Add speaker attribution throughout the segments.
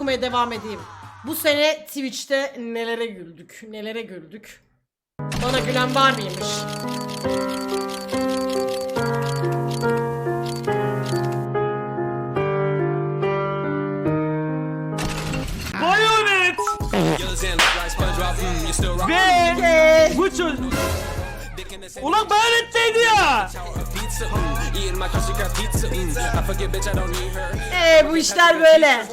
Speaker 1: okumaya devam edeyim. Bu sene Twitch'te nelere güldük, nelere güldük. Bana gülen var mıymış?
Speaker 2: Bayonet! Ve bu çocuk... Ulan Bayonet'teydi ya!
Speaker 1: Bu işler böyle.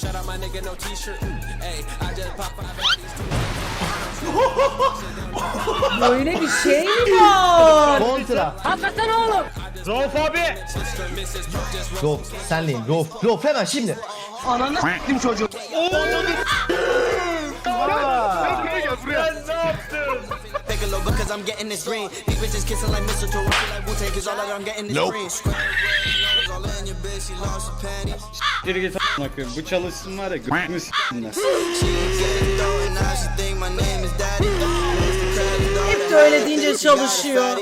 Speaker 1: Böyle bir şey mi var?
Speaker 3: Kontra.
Speaker 1: Hakikaten oğlum.
Speaker 2: Rauf abi!
Speaker 3: Rauf senleyim. Rauf hemen şimdi.
Speaker 2: Ananı s**tim çocuğu.
Speaker 4: Geri git a**ına koyayım. Bu çalışsın var ya g***ünü s**tinler.
Speaker 1: Hep de öyle deyince çalışıyor.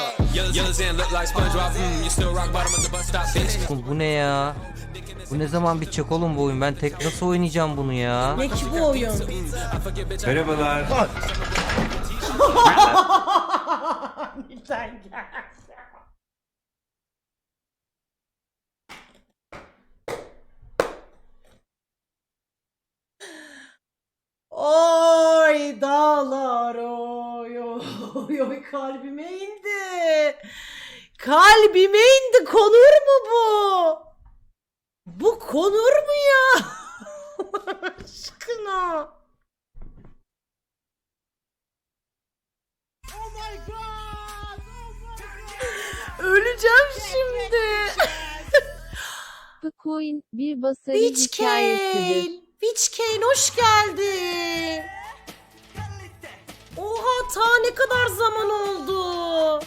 Speaker 5: Bu ne ya? Bu ne zaman bitecek oğlum bu oyun? Ben tek nasıl oynayacağım bunu ya?
Speaker 1: Ne ki bu oyun?
Speaker 4: Merhabalar.
Speaker 1: Lütfen gel. Oy dağlar oy oy oy kalbime indi. Kalbime indi, konur mu bu? Bu konur mu ya? Allah aşkına. Öleceğim şimdi.
Speaker 6: Bitcoin bir basarı
Speaker 1: Witch
Speaker 6: hikayesidir.
Speaker 1: Kane. Witch Kane hoş geldin. Oha ta ne kadar zaman oldu.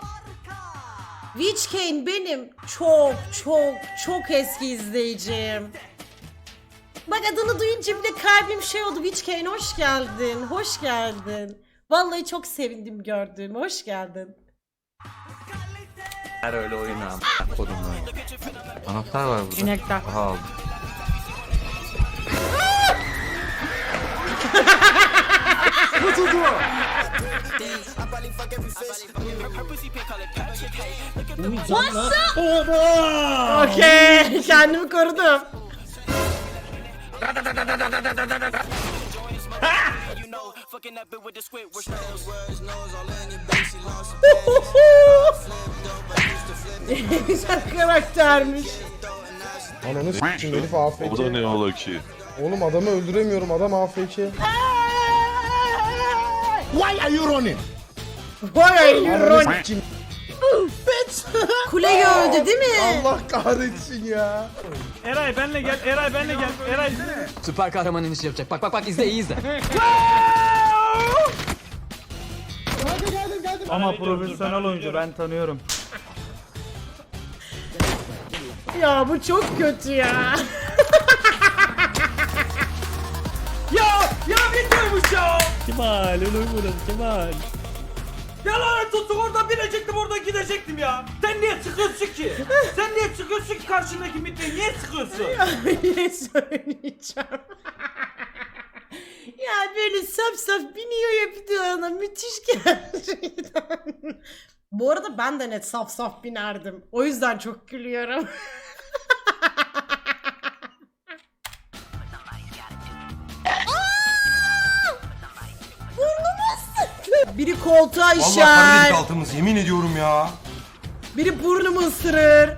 Speaker 1: Witch Kane benim çok eski izleyicim. Bak adını duyunca bile kalbim şey oldu. Witch Kane hoş geldin. Hoş geldin. Vallahi çok sevindim gördüğüme. Hoş geldin.
Speaker 5: Her öyle oyun abi. Kodum oyun. Anahtar var burada.
Speaker 1: İnekler.
Speaker 5: Aha aldım.
Speaker 1: Okey. Kendimi korudum. Güzel karaktermiş.
Speaker 7: Ananı s**tim herif AFK.
Speaker 8: O da ne ola ki?
Speaker 7: Oğlum adamı öldüremiyorum, adam AFK.
Speaker 3: Why are you running?
Speaker 1: Vay ay
Speaker 7: Ananı
Speaker 1: ironik.
Speaker 7: s**tim.
Speaker 1: Kuleyi öldü değil mi?
Speaker 7: Allah kahretsin ya.
Speaker 2: Eray benle gel, Eray benle gel. Eray.
Speaker 9: Süper kahraman inişi yapacak. Bak bak bak izle iyi izle.
Speaker 2: Ama profesyonel oyuncu ben tanıyorum.
Speaker 1: Ya bu çok kötü ya.
Speaker 2: Ya bilmiyormuş ya. Kemal öyle vurun Kemal. Ya lanet olsun oradan binecektim oradan gidecektim ya. Sen niye sıkıyorsun ki? Sen niye sıkıyorsun ki karşındaki mitreyi niye sıkıyorsun?
Speaker 1: Ne söyleyeceğim? Ya böyle saf saf biniyor ya bir de ona müthiş gerçekten. Bu arada ben de net saf saf binerdim. O yüzden çok gülüyorum. Biri koltuğa işer.
Speaker 8: altımız yemin ediyorum ya.
Speaker 1: Biri burnumu ısırır.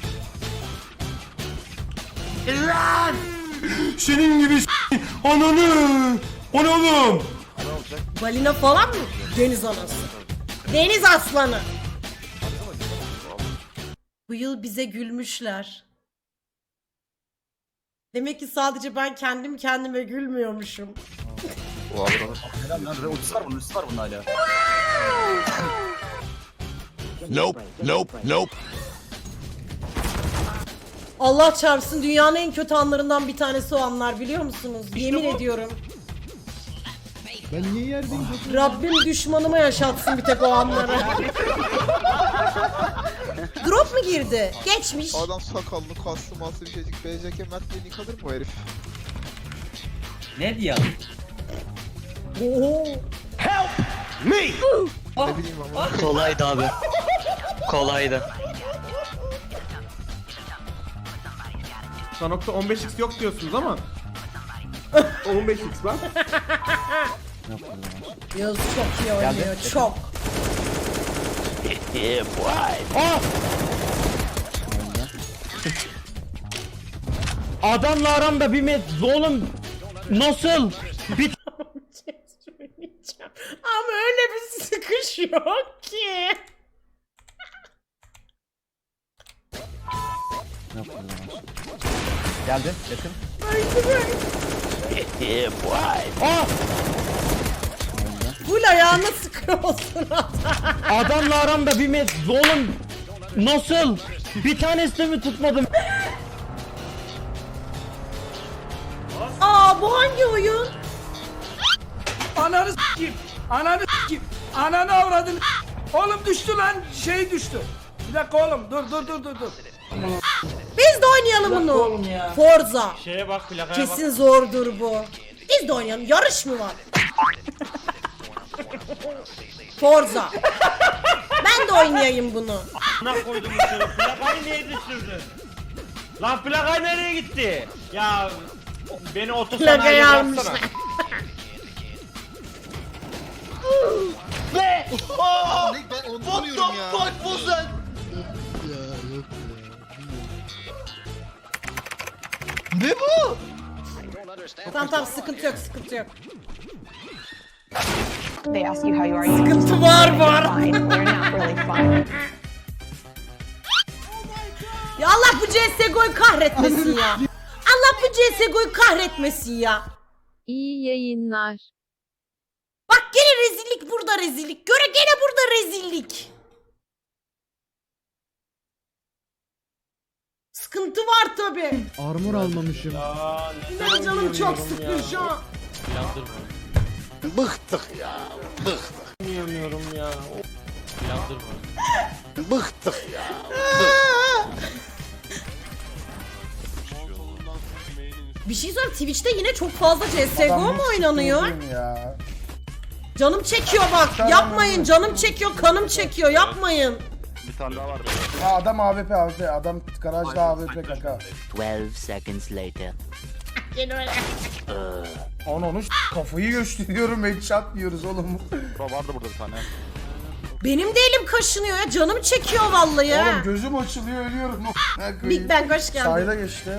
Speaker 8: Senin gibi ananı. O ne oğlum?
Speaker 1: Balina falan mı? Deniz anası. Deniz aslanı. Bu yıl bize gülmüşler. Demek ki sadece ben kendim kendime gülmüyormuşum.
Speaker 8: Nope.
Speaker 1: Allah çarpsın dünyanın en kötü anlarından bir tanesi o anlar biliyor musunuz? Yemin ediyorum.
Speaker 7: Ben niye yerdeyim?
Speaker 1: Rabbim düşmanıma yaşatsın bir tek o anları. Drop mu girdi? Geçmiş.
Speaker 10: Adam sakallı, kaslı, maslı bir şeycik, BCK Mert diye nick alır mı o herif?
Speaker 2: Ne diyor?
Speaker 1: Oo.
Speaker 5: Kolaydı abi. Kolaydı.
Speaker 8: Sanok'ta 15x yok diyorsunuz ama 15x var.
Speaker 1: Yağız çok iyi oynuyor. Çok.
Speaker 2: Adamla aramda bir oğlum nasıl?
Speaker 1: Ama öyle bir sıkış yok ki.
Speaker 3: Geldi yakın.
Speaker 1: Bu ayağına sıkıyorsun adam.
Speaker 2: Adamla aramda bir oğlum nasıl? Bir tanesi de mi tutmadım?
Speaker 1: Aa bu hangi oyun?
Speaker 2: Ananı s**kim. Ananı s**kim. Ananı avradın. Oğlum düştü lan. Şey düştü. Bir dakika oğlum. Dur.
Speaker 1: Biz de oynayalım bunu.
Speaker 2: oğlum ya.
Speaker 1: Forza.
Speaker 2: Şeye bak plakaya bak.
Speaker 1: Kesin zordur bu. Biz de oynayalım. Yarış mı var? Forza. Ben de oynayayım bunu.
Speaker 2: Ana koydum içeri. Plakayı niye düşürdün? Lan plakay nereye gitti? Ya beni otosanayiye
Speaker 1: Plakayı
Speaker 2: bıraksana.
Speaker 1: almışlar.
Speaker 3: Ben onu vuruyorum ya. What the fuck was that? Ne bu?
Speaker 1: Tamam sıkıntı yok.
Speaker 6: They ask you how you are. You
Speaker 1: Sıkıntı var.
Speaker 6: fine. We're not really fine.
Speaker 1: Ya Allah bu CSGO'yu kahretmesin ya. Allah bu CSGO'yu kahretmesin ya.
Speaker 6: İyi yayınlar.
Speaker 1: Bak gene rezillik burada rezillik. Gene burada rezillik. Sıkıntı var tabi.
Speaker 7: Armor almamışım.
Speaker 1: Benim canım çok sıkıyor şu an.
Speaker 2: Yiyemiyorum ya.
Speaker 1: Bir şey söyleyeyim, Twitch'te yine çok fazla CSGO mu oynanıyor?
Speaker 7: Ya.
Speaker 1: Canım çekiyor bak. Yapmayın. Canım çekiyor, kanım çekiyor. Yapmayın.
Speaker 7: Ha, adam AWP. Adam garajda AWP kaka.
Speaker 5: 12 seconds later.
Speaker 7: Onu kafayı gösteriyorum, headshot diyoruz oğlum.
Speaker 1: Benim de elim kaşınıyor ya. Canım çekiyor vallahi ya.
Speaker 7: Oğlum gözüm açılıyor, ölüyorum.
Speaker 1: Big Bang hoş geldin.
Speaker 7: Sayda geçti.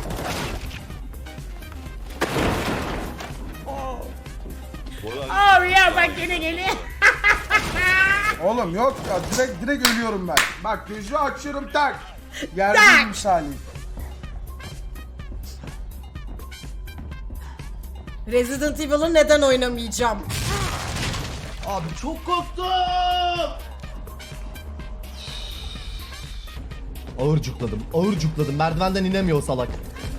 Speaker 1: Oh ya bak yine geliyor.
Speaker 7: Oğlum yok ya, direkt ölüyorum ben. Bak gözü açıyorum tak.
Speaker 1: Tak.
Speaker 7: Yerdeyim misali.
Speaker 1: Resident Evil'ı neden oynamayacağım?
Speaker 3: Abi çok korktum. Ağır cukladım. Merdivenden inemiyor salak.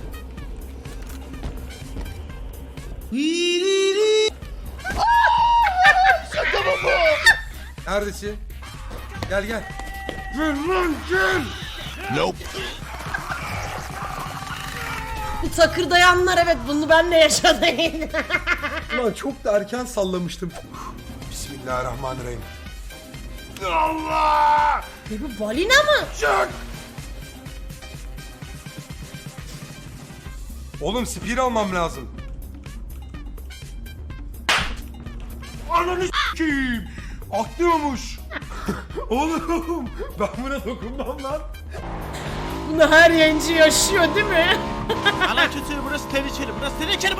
Speaker 8: Neredesin? Gel.
Speaker 1: Bu takırdayanlar evet bunu ben de yaşadım.
Speaker 8: Ulan çok da erken sallamıştım. Bismillahirrahmanirrahim.
Speaker 1: Bu balina mı?
Speaker 8: Oğlum spear almam lazım. Ananı s**eyim. Atlıyormuş. Oğlum ben buna dokunmam lan.
Speaker 1: Bunu her yayıncı yaşıyor değil mi?
Speaker 2: Ana kötü burası tehlikeli. Burası tehlikeli.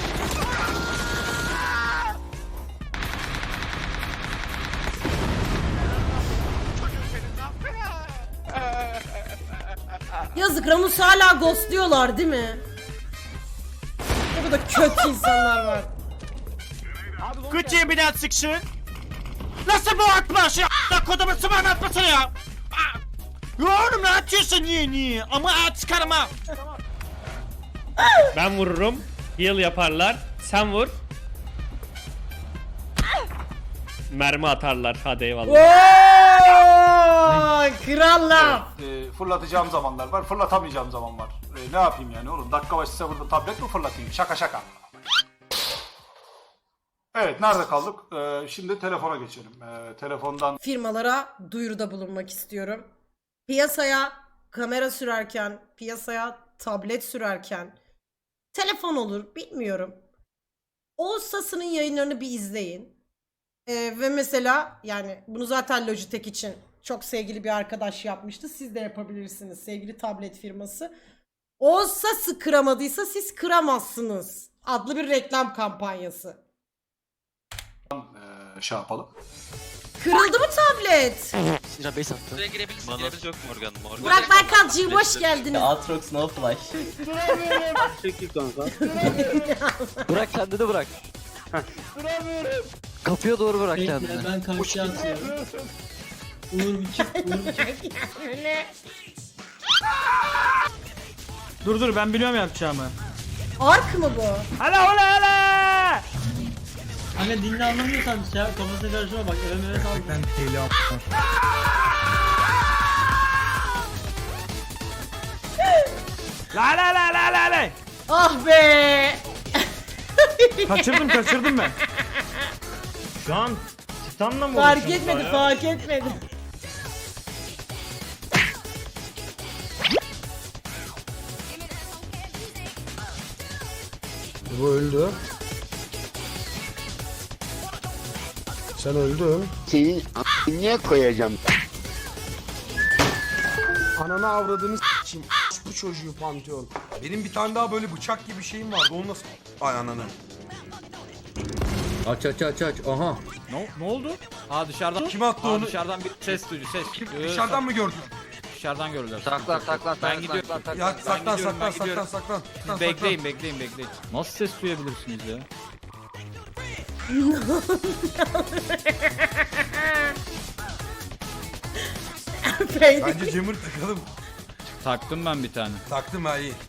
Speaker 1: Yazık Ramus hala ghostluyorlar değil mi? Ne kadar kötü insanlar var.
Speaker 2: Küçüğe bir daha sıksın. Nasıl bu atma şey a**la kodumu sıvan atmasın ya. Ya oğlum ne atıyorsun niye? Ama at çıkarma. Ben vururum. Heal yaparlar. Sen vur. Mermi atarlar. Hadi eyvallah.
Speaker 1: Ooo krallar.
Speaker 10: Fırlatacağım zamanlar var, fırlatamayacağım zaman var. Ne yapayım yani oğlum? Dakika başı burada tablet mi fırlatayım? Şaka. Evet, nerede kaldık? Şimdi telefona geçelim. Telefondan
Speaker 1: Firmalara duyuruda bulunmak istiyorum. Piyasaya kamera sürerken, piyasaya tablet sürerken, telefon olur bilmiyorum. Oğuz Sas'ın yayınlarını bir izleyin. Ve mesela yani bunu zaten Logitech için çok sevgili bir arkadaş yapmıştı. Siz de yapabilirsiniz sevgili tablet firması. Oğuz Sas'ı kıramadıysa siz kıramazsınız adlı bir reklam kampanyası.
Speaker 10: şey yapalım.
Speaker 1: Kırıldı mı tablet?
Speaker 11: Manası yok Morgan.
Speaker 1: Burak Berkancığım hoş geldiniz.
Speaker 11: Aatrox no flash.
Speaker 9: Bırak kendini bırak. Kapıya doğru bırak kendini.
Speaker 2: Ben karşıya atıyorum. Uğur bir çık. Dur ben biliyorum yapacağımı.
Speaker 1: Ark mı bu?
Speaker 2: Hala. Anne dinle anlamıyorsan ya kafasına karışma bak eve sal. Ben La.
Speaker 1: Ah be!
Speaker 2: Kaçırdım ben. Şu an Titan'la mı
Speaker 1: Fark etmedi.
Speaker 8: Bu öldü. Sen öldün.
Speaker 3: Senin niye koyacağım?
Speaker 8: Ananı avradını s**eyim. Bu çocuğu Pantheon. Benim bir tane daha böyle bıçak gibi şeyim vardı. Onu nasıl... Ay ananı.
Speaker 5: Aç. Aha.
Speaker 2: Ne oldu? Aa dışarıdan.
Speaker 8: Kim attı onu?
Speaker 2: Dışarıdan bir ses duydu ses.
Speaker 8: Dışarıdan mı gördün?
Speaker 2: Dışarıdan görürler.
Speaker 5: Saklan.
Speaker 2: Ben gidiyorum.
Speaker 8: Ya
Speaker 2: Ben gidiyorum.
Speaker 8: saklan.
Speaker 2: Bekleyin. Nasıl ses duyabilirsiniz ya?
Speaker 8: Bence Cemur takalım.
Speaker 2: Taktım ben bir tane.
Speaker 8: Taktım ha iyi.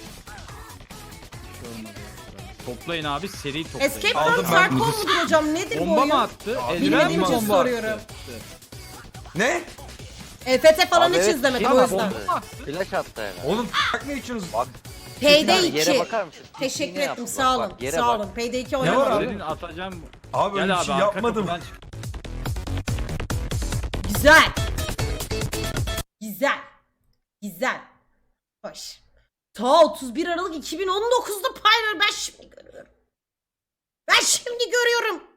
Speaker 2: Toplayın abi seri toplayın.
Speaker 1: Escape
Speaker 8: Aldım
Speaker 1: from
Speaker 8: ben.
Speaker 1: Tarkov mudur hocam? Nedir bu
Speaker 2: Bomba
Speaker 1: oyun?
Speaker 2: mı attı?
Speaker 1: Bilmediğim için
Speaker 2: bomba
Speaker 1: soruyorum.
Speaker 8: Ne?
Speaker 1: EFT falan hiç izlemedim o yüzden.
Speaker 9: Flash attı herhalde.
Speaker 8: Oğlum ne içiyorsunuz?
Speaker 1: Payday
Speaker 9: Yere
Speaker 1: 2.
Speaker 9: bakar mısın?
Speaker 1: Teşekkür
Speaker 9: Pisliğini
Speaker 1: ettim
Speaker 9: yaptı.
Speaker 1: sağ
Speaker 9: Bak,
Speaker 1: olun.
Speaker 9: bak, yere
Speaker 1: Sağ
Speaker 9: bak.
Speaker 1: olun. Payday 2
Speaker 8: Ne var
Speaker 1: oynamadım.
Speaker 8: abi?
Speaker 2: Senin atacağım.
Speaker 8: Abi öyle
Speaker 2: Gel
Speaker 8: bir
Speaker 2: abi
Speaker 8: şey
Speaker 2: arka
Speaker 8: yapmadım.
Speaker 2: kapıdan çık.
Speaker 1: Güzel. Hoş. Ta 31 Aralık 2019'da Pyro ben şimdi görüyorum.